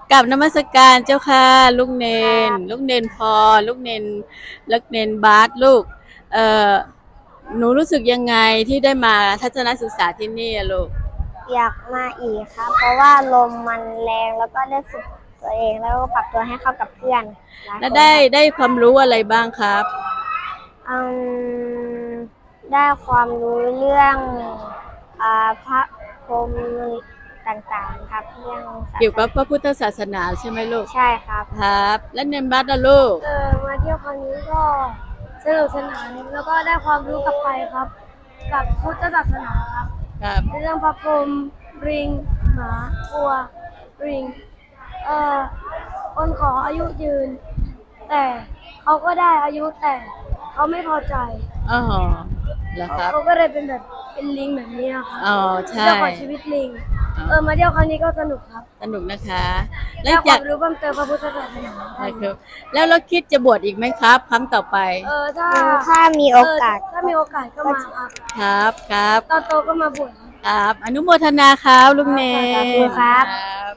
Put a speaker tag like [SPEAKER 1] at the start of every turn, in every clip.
[SPEAKER 1] กับนมัสการเจ้าค่ะลูกเนน
[SPEAKER 2] ครับ
[SPEAKER 1] ลูกเนนพอลูกเนนบาสลูกเอ่อหนูรู้สึกยังไงที่ได้มาทัศนศึกษาที่นี่อะลูก
[SPEAKER 2] อยากมาอีกครับเพราะว่าลมมันแรงแล้วก็ได้ฝึกตัวเองแล้วก็ปรับตัวให้เข้ากับเพื่อนหลาย
[SPEAKER 1] แล้ว
[SPEAKER 2] คนครับ
[SPEAKER 1] ได้ความรู้อะไรบ้างครับ
[SPEAKER 2] อืมได้ความรู้เรื่องพระพรหมต่างๆครับเรื่องศา
[SPEAKER 1] เกี่ยวกับพระ
[SPEAKER 2] สนา
[SPEAKER 1] พุทธศาสนาใช่ไหมลูก
[SPEAKER 2] ใช่ครับ
[SPEAKER 1] ครับแล้วเนนบาสอะลูก
[SPEAKER 2] มาเที่ยวครั้งนี้ก็สนุกสนานแล้วก็ได้ความรู้กลับไปครับกับพุทธศาสนาครับ
[SPEAKER 1] ครับ
[SPEAKER 2] เรื่องพระพรหมลิงหมาวัวลิงเอ่อคนขออายุยืนแต่เขาก็ได้อายุแต่เขาไม่พอใจ
[SPEAKER 1] อ๋อเหรอครับ
[SPEAKER 2] เขาก็เลยเป็นแบบเป็นลิงแบบนี้นะครับ
[SPEAKER 1] อ๋อใช่
[SPEAKER 2] เจ้าของชีวิตลิง
[SPEAKER 1] อ๋อ
[SPEAKER 2] มาเที่ยวครั้งนี้ก็สนุกครับ
[SPEAKER 1] สนุกนะคะแล้ว
[SPEAKER 2] ได้ค
[SPEAKER 1] อยาก
[SPEAKER 2] วามรู้เพิ่มเติมพระพุทธศาสนาได้
[SPEAKER 1] นะครับแล้วเราคิดจะบวชอีกไหมครับครั้งต่อไป
[SPEAKER 2] ถ้ามีโอกาสถ้ามีโอกาสก็มาครับ
[SPEAKER 1] ครับครับ
[SPEAKER 2] ตอนโตก็มาบวช
[SPEAKER 1] ครับอนุโมทนาครับลุงเน
[SPEAKER 2] สาธุ
[SPEAKER 1] น
[SPEAKER 2] ครับ
[SPEAKER 1] ครับ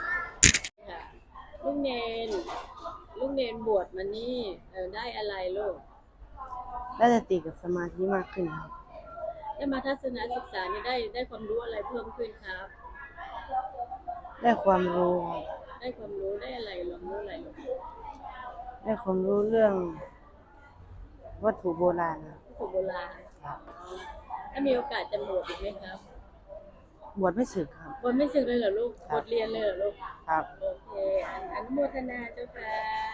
[SPEAKER 1] ลุงเนนลุงเนนบวชมานี่ได้อะไรลูก
[SPEAKER 3] ได้สติกับสมาธิมากขึ้นครับ
[SPEAKER 1] ได้มาทัศนศึกษานี่ได้ความรู้อะไรเพิ่มขึ้นครับ
[SPEAKER 3] ได้ความรู้ครับ
[SPEAKER 1] ได้ความรู้ได้อะไรหรอรู้อะไรลูก
[SPEAKER 3] ได้ความรู้เรื่องวัตถุโบราณครับ
[SPEAKER 1] วัตถุโบราณถ้ามีโอกาสจะบวชอีกไหมครับ
[SPEAKER 3] บวชไม่สึกครับ
[SPEAKER 1] บวชไม่สึกเลยเหรอลูก
[SPEAKER 3] ครับ
[SPEAKER 1] บวชเรียนเลยเหรอลูก
[SPEAKER 3] ครับ
[SPEAKER 1] โอเคอนุโมทนาเจ้าค่ะ